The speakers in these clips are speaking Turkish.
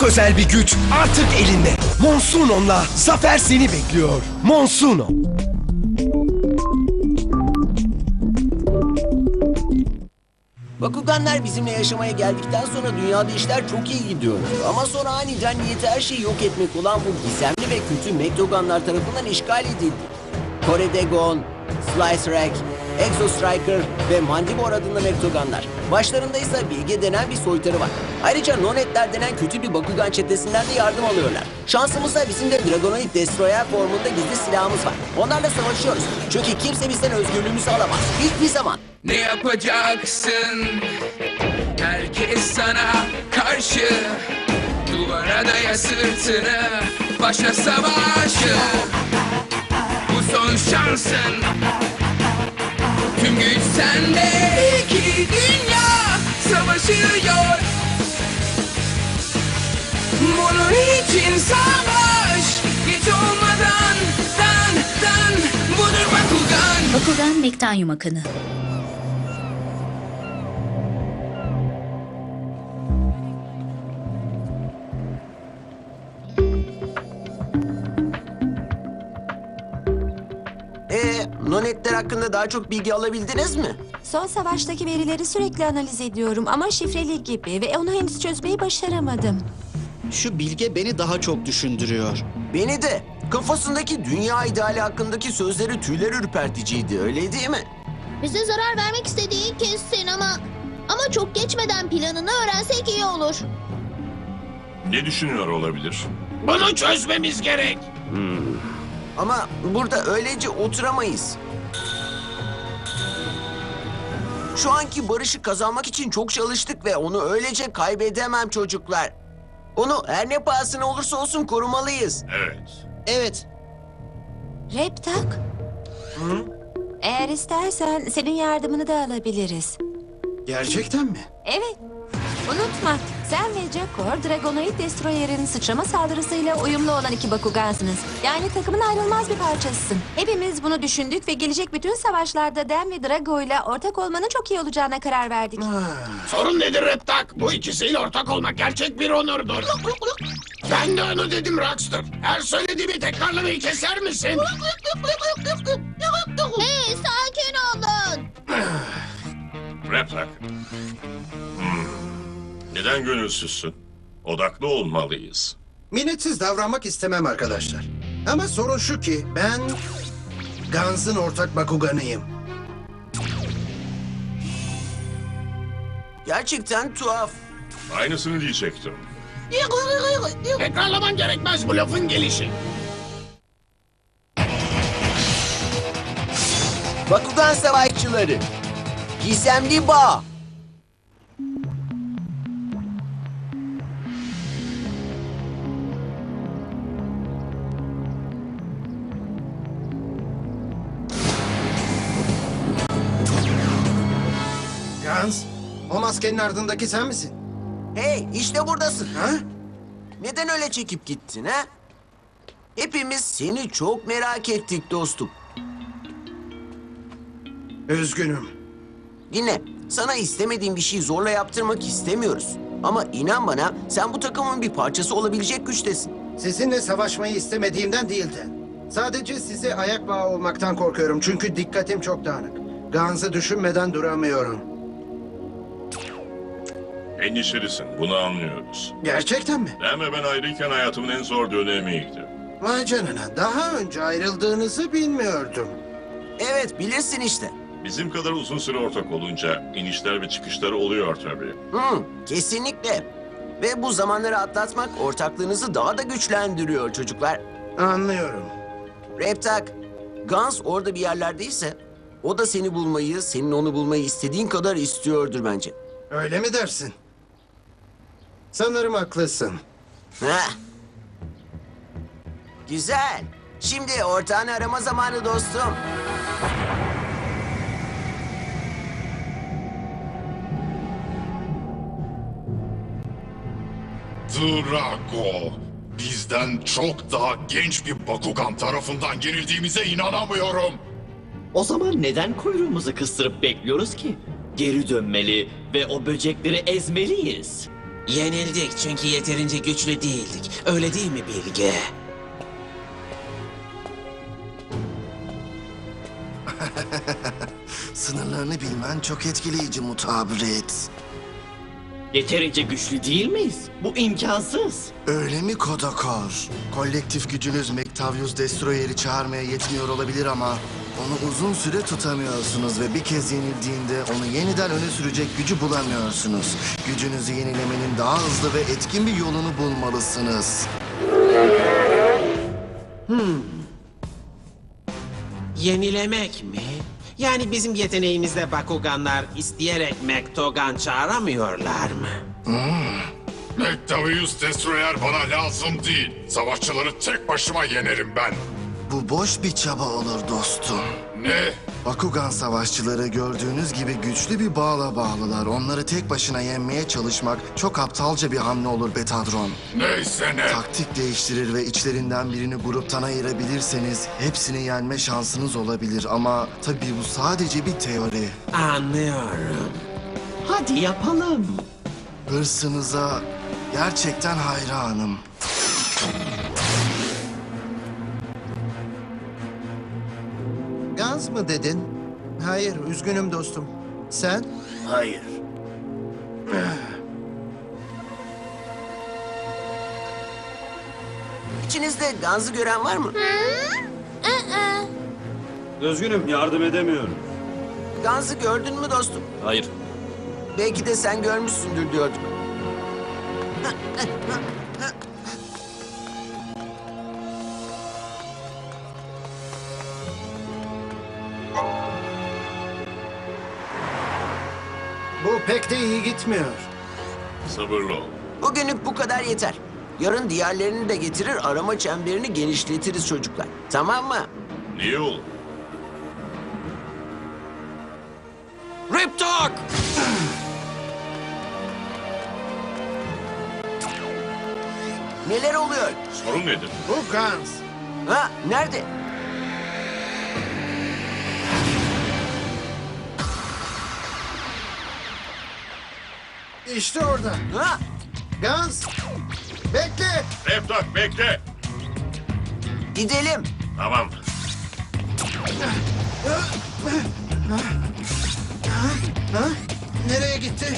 özel bir güç artık elinde. Monsunon'la zafer seni bekliyor. Monsunon. Bakuganlar bizimle yaşamaya geldikten sonra dünyada işler çok iyi gidiyordu. Ama sonra aniden niyeti her şeyi yok etmek olan bu gizemli ve kötü Mektoganlar tarafından işgal edildi. Kore'de Gon, Slice Rack, Exo Striker ve Mandibor adında Mektoganlar. Başlarında ise Bilge denen bir soytarı var. Ayrıca Nonetler denen kötü bir Bakugan çetesinden de yardım alıyorlar. Şansımızsa bizim de Dragonoid Destroyer formunda gizli silahımız var. Onlarla savaşıyoruz. Çünkü kimse bizden özgürlüğümüzü alamaz. Hiçbir zaman. Ne yapacaksın? Herkes sana karşı. Duvara daya sırtını. Başla savaşı. Bu son şansın. Tüm güç sende. İki dünya savaşıyor. Bunun için savaş. Geç olmadan dan budur Bakugan. Bakugan Mektanyum Akını. Nonetler hakkında daha çok bilgi alabildiniz mi? Son savaştaki verileri sürekli analiz ediyorum ama şifreli gibi ve onu henüz çözmeyi başaramadım. Şu bilge beni daha çok düşündürüyor. Beni de. Kafasındaki dünya ideali hakkındaki sözleri tüyler ürperticiydi, öyle değil mi? Bize zarar vermek istediği kesin ama çok geçmeden planını öğrensek iyi olur. Ne düşünüyor olabilir? Bunu çözmemiz gerek. Ama burada öylece oturamayız. Şu anki barışı kazanmak için çok çalıştık ve onu öylece kaybedemem çocuklar. Onu her ne pahasına olursa olsun korumalıyız. Evet. Evet, Reptak. Eğer istersen senin yardımını da alabiliriz. gerçekten mi? Evet. Unutma, sen ve Jakor, Dragonoid Destroyer'in sıçrama saldırısıyla uyumlu olan iki Bakugansınız. Yani takımın ayrılmaz bir parçasısın. Hepimiz bunu düşündük ve gelecek bütün savaşlarda Dan ve Drago'yla ortak olmanın çok iyi olacağına karar verdik. Sorun nedir Reptak? Bu ikisiyle ortak olmak gerçek bir onurdur. Ben de onu dedim Rockstar. Her söylediğimi tekrarlamayı keser misin? Hey, sakin olun. Reptak. Neden gönülsüzsün? Odaklı olmalıyız. Minnetsiz davranmak istemem arkadaşlar. Ama sorun şu ki ben Guns'ın ortak Bakuganıyım. Gerçekten tuhaf. Aynısını diyecektim. Tekrarlaman gerekmez bu lafın gelişi. Bakugan savaşçıları. Gizemli bağ. Guns, o maskenin ardındaki sen misin? Hey, işte buradasın. Ha? Neden öyle çekip gittin ha? Hepimiz seni çok merak ettik dostum. Üzgünüm. Dinle, sana istemediğim bir şeyi zorla yaptırmak istemiyoruz. Ama inan bana, sen bu takımın bir parçası olabilecek güçtesin. Sizinle savaşmayı istemediğimden değildi. Sadece size ayak bağı olmaktan korkuyorum çünkü dikkatim çok dağınık. Guns'ı düşünmeden duramıyorum. Endişelisin, bunu anlıyoruz. Gerçekten mi? Ben ve ben ayrıyken hayatımın en zor dönemiydi. Vay canına, daha önce ayrıldığınızı bilmiyordum. Evet, bilirsin işte. Bizim kadar uzun süre ortak olunca inişler ve çıkışlar oluyor tabii. Kesinlikle. Ve bu zamanları atlatmak ortaklığınızı daha da güçlendiriyor çocuklar. Anlıyorum. Reptak, Guns orada bir yerlerdeyse o da seni bulmayı, senin onu bulmayı istediğin kadar istiyordur bence. Öyle mi dersin? Sanırım haklısın. Heh. Güzel. Şimdi ortağını arama zamanı dostum. Drago, bizden çok daha genç bir Bakugan tarafından yenildiğimize inanamıyorum. O zaman neden kuyruğumuzu kıstırıp bekliyoruz ki? Geri dönmeli ve o böcekleri ezmeliyiz. Yenildik çünkü yeterince güçlü değildik. Öyle değil mi Bilge? Sınırlarını bilmen çok etkileyici mutabret. Yeterince güçlü değil miyiz? Bu imkansız. Öyle mi Kodakor? Kolektif gücünüz Mektavius Destroyer'i çağırmaya yetmiyor olabilir ama onu uzun süre tutamıyorsunuz ve bir kez yenildiğinde onu yeniden öne sürecek gücü bulamıyorsunuz. Gücünüzü yenilemenin daha hızlı ve etkin bir yolunu bulmalısınız. Yenilemek mi? Yani bizim yeteneğimizde Bakuganlar isteyerek Mektogan çağıramıyorlar mı? Mektavius Destroyer bana lazım değil. Savaşçıları tek başıma yenerim ben. Bu boş bir çaba olur dostum. Ne? Bakugan savaşçıları gördüğünüz gibi güçlü bir bağla bağlılar. Onları tek başına yenmeye çalışmak çok aptalca bir hamle olur Betadron. Neyse ne? Taktik değiştirir ve içlerinden birini gruptan ayırabilirseniz hepsini yenme şansınız olabilir. Ama tabii bu sadece bir teori. Anlıyorum. Hadi yapalım. Hırsınıza gerçekten hayranım. Gans mı dedin? Hayır, üzgünüm dostum. Sen? Hayır. İçinizde Gans'ı gören var mı? Üzgünüm, yardım edemiyorum. Gans'ı gördün mü dostum? Hayır. Belki de sen görmüşsündür diyorduk. Bu pek de iyi gitmiyor. Sabırlı ol. Bugünlük bu kadar yeter. Yarın diğerlerini de getirir, arama çemberini genişletiriz çocuklar. Tamam mı? İyi ol. Rip Talk! Neler oluyor? Sorun nedir? Bu Gans. Ha, nerede? İşte orada. Ha, Gans. Bekle. Reptak bekle. gidelim. Tamam. Ha? Nereye gitti?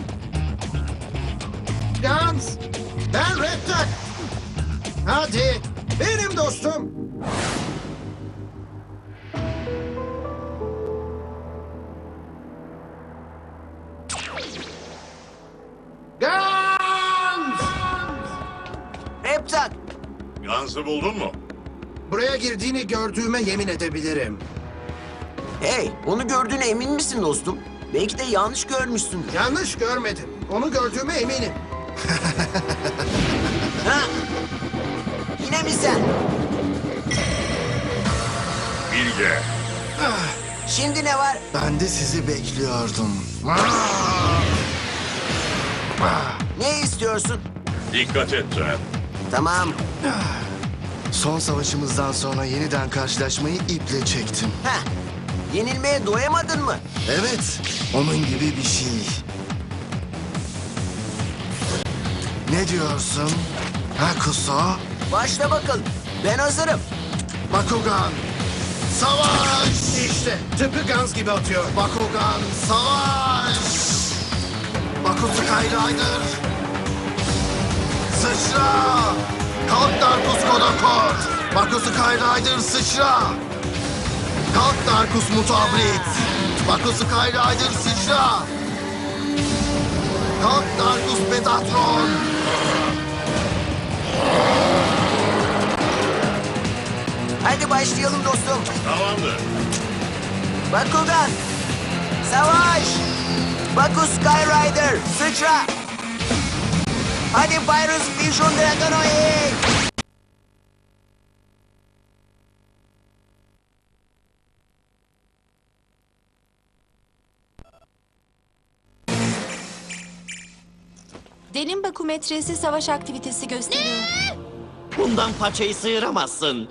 Gans. Ben Reptak. Hadi. Benim dostum. Gans. Reptak. Gans'ı buldun mu? Buraya girdiğini gördüğüme yemin edebilirim. Hey, onu gördüğüne emin misin dostum? Belki de yanlış görmüşsündür. Yanlış görmedim. Onu gördüğüme eminim. Ha? Yine mi sen? Bilge. Şimdi ne var? Ben de sizi bekliyordum. Ne istiyorsun? Dikkat et Trent. Tamam. Son savaşımızdan sonra yeniden karşılaşmayı iple çektim. Ha. Yenilmeye doyamadın mı? Evet, onun gibi bir şey. Ne diyorsun? Ha Kuso? Başla bakalım. Ben hazırım. Bakugan, savaş! İşte tıpkı Gans gibi atıyor. Bakugan, savaş! Bakugan Skyrider! Sıçra! Kalk Darkus Kodakor! Bakugan Skyrider sıçra! Kalk Darkus Mutabrit! Bakugan Skyrider sıçra! Kalk Darkus Betatron! Hadi başlayalım dostum. Tamamdır. Bakugan. Savaş. Baku Skyrider. Sıçra. Hadi Pyrus Vision Dragonoid. Derin bakometresi savaş aktivitesi gösteriyor. Bundan paçayı sıyıramazsın.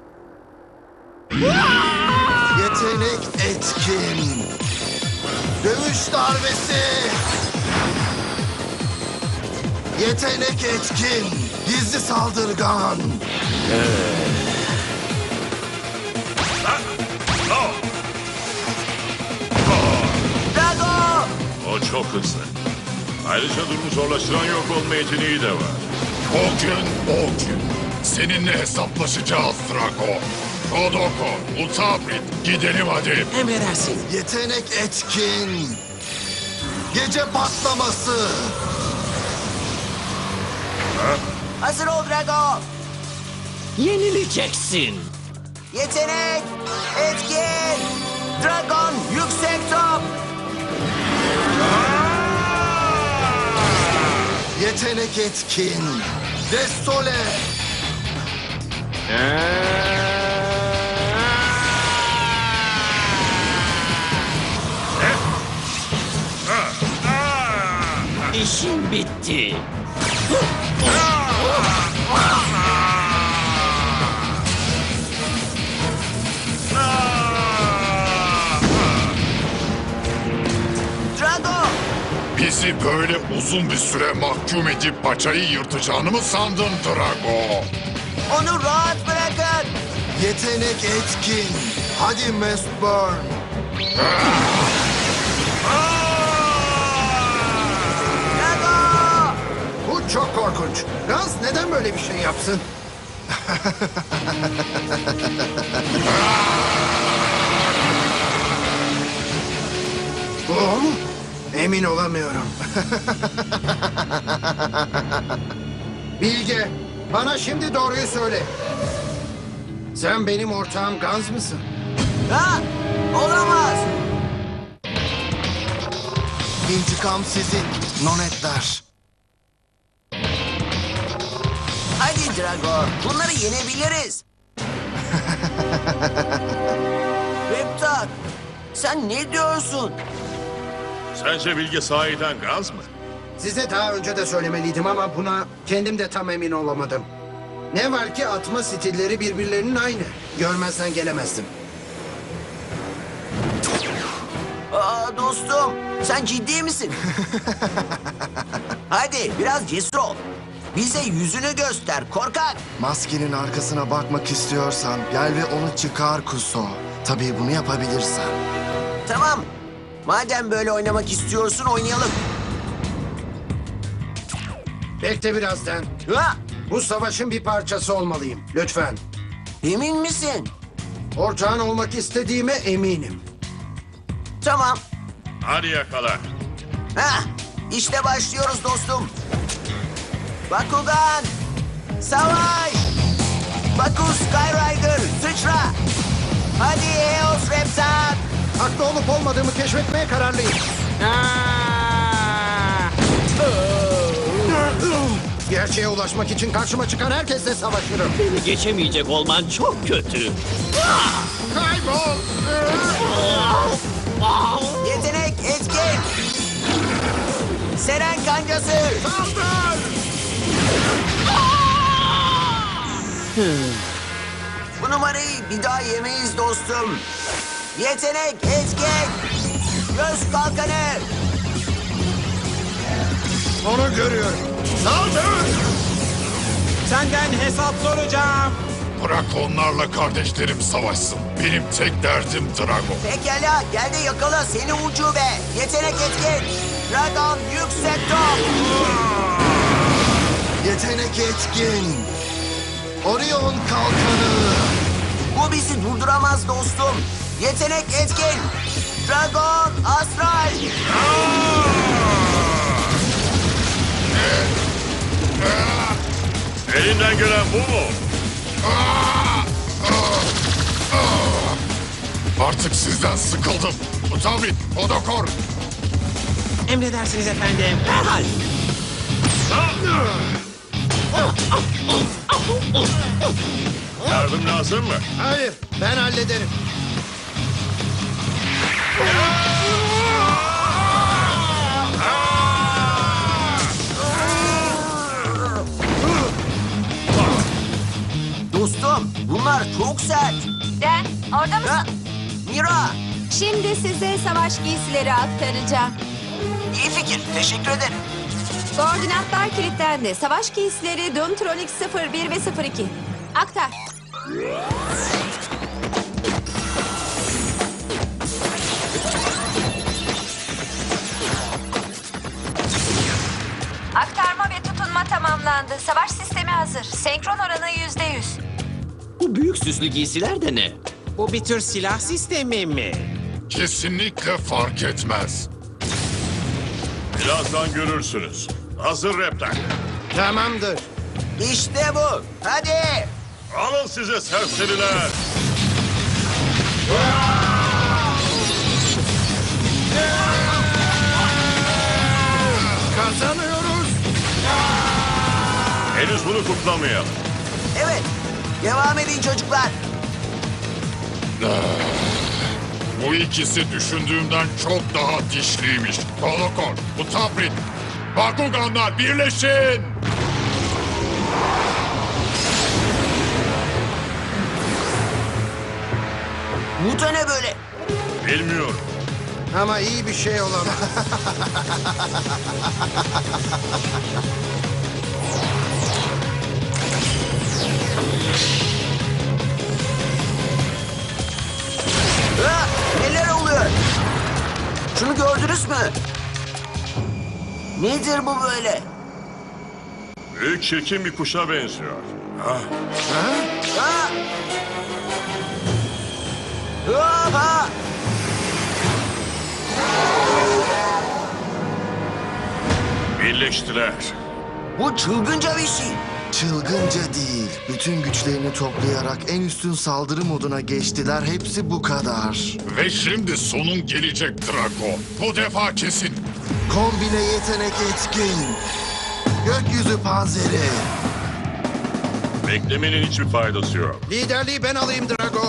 Yetenek etkin! Dövüş darbesi! Yetenek etkin. Gizli saldırgan. Drago! O çok hızlı. Ayrıca durumu zorlaştıran yok olma yeteneği de var. O gün. Seninle hesaplaşacağız Drago. Kodoko, Utabrit, gidelim hadi. Emredersin. Yetenek etkin. Gece patlaması. Hazır ol Drago! Yenileceksin. Yetenek etkin! Dragon yüksek top! Yetenek etkin. Destole. İşin bitti. Drago! Bizi böyle uzun bir süre mahkum edip paçayı yırtacağını mı sandın Drago? Onu rahat bırakın! Yetenek etkin. Hadi Mistburn. Drago! Bu çok korkunç. Gans neden böyle bir şey yapsın? Bu o mu? Emin olamıyorum. Bilge, bana şimdi doğruyu söyle. Sen benim ortağım Gans mısın? Ha? Olamaz! İntikam sizin. Nonetler. Hadi Drago, bunları yenebiliriz. Reptar, sen ne diyorsun? Sence Bilge sahiden gaz mı? Size daha önce de söylemeliydim ama buna kendim de tam emin olamadım. Ne var ki atma stilleri birbirlerinin aynı. Görmezsen gelemezdim. Aa, dostum, sen ciddi misin? Hadi biraz cesur ol. Bize yüzünü göster, korkak. Maskenin arkasına bakmak istiyorsan gel ve onu çıkar Kuso. Tabii bunu yapabilirsen. Tamam. Madem böyle oynamak istiyorsun, oynayalım. Bekle birazdan. Ha? Bu savaşın bir parçası olmalıyım. Lütfen. Emin misin? Ortağın olmak istediğime eminim. Tamam. Hadi yakala. Ha, işte başlıyoruz dostum. Bakugan, savaş! Bakus Skyrider, sıçra! Hadi Eos Reptar! Haklı olup olmadığımı keşfetmeye kararlıyım. Gerçeğe ulaşmak için karşıma çıkan herkesle savaşırım. Beni geçemeyecek olman çok kötü. Kaybol! Yetenek etkin! Seren kancası! Bu numarayı bir daha yemeyiz dostum. Yetenek etkin! Göz kalkanı! Onu görüyorum. Senden hesap soracağım. Bırak onlarla kardeşlerim savaşsın. Benim tek derdim Drago. Pekala gel de yakala seni ucube. Yetenek etkin! Dragon yüksek top! Yetenek etkin. Orion kalkanı. Bu bizi durduramaz dostum. Yetenek etkin! Dragon astral! Elinden gelen bu mu? Artık sizden sıkıldım. Utabrit, Kodokor. Emredersiniz efendim. Herhal. Yardım lazım mı? Hayır, ben hallederim. Dostum bunlar çok sert. Den, orada mısın? Ha? Mira! Şimdi size savaş giysileri aktaracağım. İyi fikir. Teşekkür ederim. Koordinatlar kilitlendi. Savaş giysileri Doomtronic 01 ve 02. Aktar. Aktarma ve tutunma tamamlandı. Savaş sistemi hazır. Senkron oranı %100. Bu büyük süslü giysiler de ne? Bu bir tür silah sistemi mi? Kesinlikle fark etmez. Birazdan görürsünüz. Hazır Reptak. Tamamdır. İşte bu. Hadi. Alın size serseriler. Kazanıyoruz. Henüz bunu kutlamayalım. Evet. Devam edin çocuklar. Bu ikisi düşündüğümden çok daha dişliymiş. Holokor, Utaprit, Bakuganlar birleşin! Bu da ne böyle? Bilmiyorum. Ama iyi bir şey olamaz. Ha, neler oluyor? Şunu gördünüz mü? Nedir bu böyle? Büyük çirkin bir kuşa benziyor. Ha? Ha! Birleştiler. Bu çılgınca bir şey. Çılgınca değil. Bütün güçlerini toplayarak en üstün saldırı moduna geçtiler. Hepsi bu kadar. Ve şimdi sonun gelecek Drago. Bu defa kesin. Kombine yetenek etkin. Gökyüzü panzeri. Beklemenin hiçbir faydası yok. Liderliği ben alayım Drago.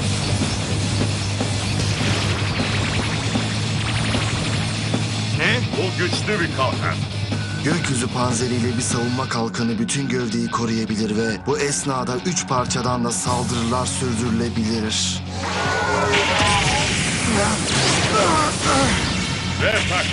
Bu güçlü bir kalkan. Gökyüzü panzeriyle bir savunma kalkanı bütün gövdeyi koruyabilir ve bu esnada 3 parçadan da saldırılar sürdürülebilir. Reptak.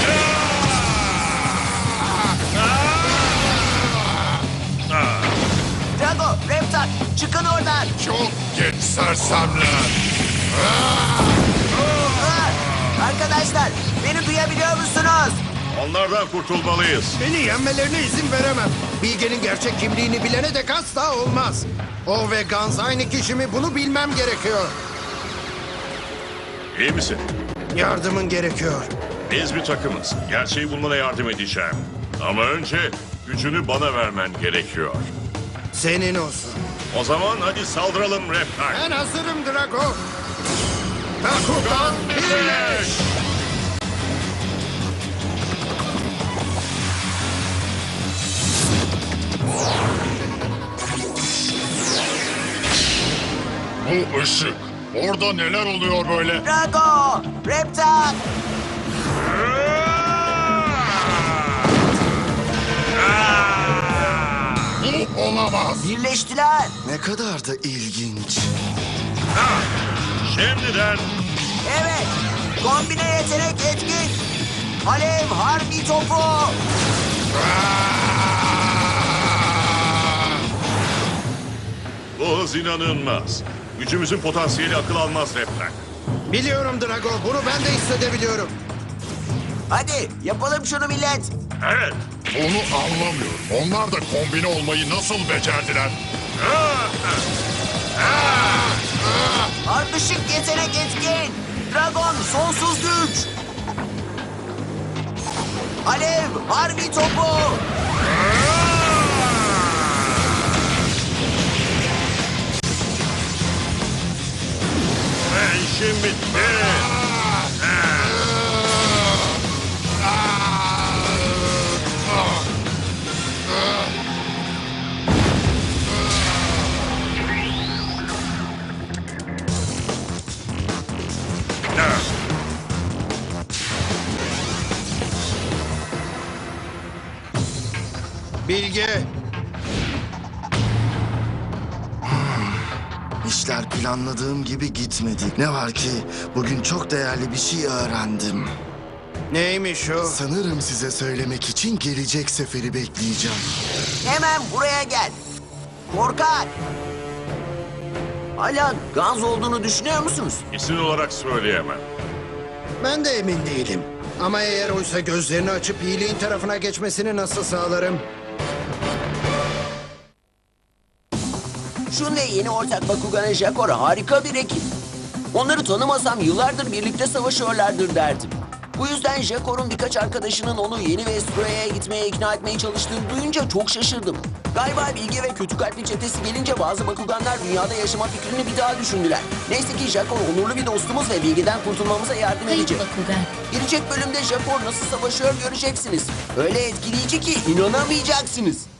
Drago, Reptak, çıkın oradan. Çok geç sersemler. Ha! Arkadaşlar, beni duyabiliyor musunuz? Onlardan kurtulmalıyız. Beni yenmelerine izin veremem. Bilge'nin gerçek kimliğini bilene dek asla olmaz. O ve Gans aynı kişi mi bunu bilmem gerekiyor. İyi misin? Yardımın gerekiyor. Biz bir takımız. Gerçeği bulmana yardım edeceğim. Ama önce gücünü bana vermen gerekiyor. Senin olsun. O zaman hadi saldıralım Reptak. Ben hazırım Drago. Bakugan birleş! Bu ışık. Orada neler oluyor böyle? Drago, Reptak. Bu olamaz. Birleştiler. Ne kadar da ilginç. Şimdiden Evet. Kombine yetenek etkin. Alev harbi topu. bu hız inanılmaz. Gücümüzün potansiyeli akıl almaz Reptak. Biliyorum Drago, bunu ben de hissedebiliyorum. Hadi yapalım şunu millet. Evet. Onu anlamıyorum. Onlar da kombine olmayı nasıl becerdiler? Ardışık yetenek etkin. Dragon sonsuz güç. Alev harbi topu. Ve işim bitti. Bilge, İşler planladığım gibi gitmedi. Ne var ki bugün çok değerli bir şey öğrendim. Neymiş o? Sanırım size söylemek için gelecek seferi bekleyeceğim. Hemen buraya gel. Korkak. Hala Gans olduğunu düşünüyor musunuz? İsim olarak söyleyemem. Ben de emin değilim. Ama eğer oysa gözlerini açıp iyiliğin tarafına geçmesini nasıl sağlarım? Şun ve yeni ortak Bakugan Jakor harika bir ekip. Onları tanımasam yıllardır birlikte savaşıyorlardır derdim. Bu yüzden Jakor'un birkaç arkadaşının onu yeni Vestroya'ya gitmeye ikna etmeye çalıştığını duyunca çok şaşırdım. Galiba Bilge ve kötü kalpli çetesi gelince bazı Bakuganlar dünyada yaşama fikrini bir daha düşündüler. Neyse ki Jakor onurlu bir dostumuz ve Bilge'den kurtulmamıza yardım edecek. Bakugan. Gelecek bölümde Jakor nasıl savaşıyor göreceksiniz. Öyle etkileyici ki inanamayacaksınız.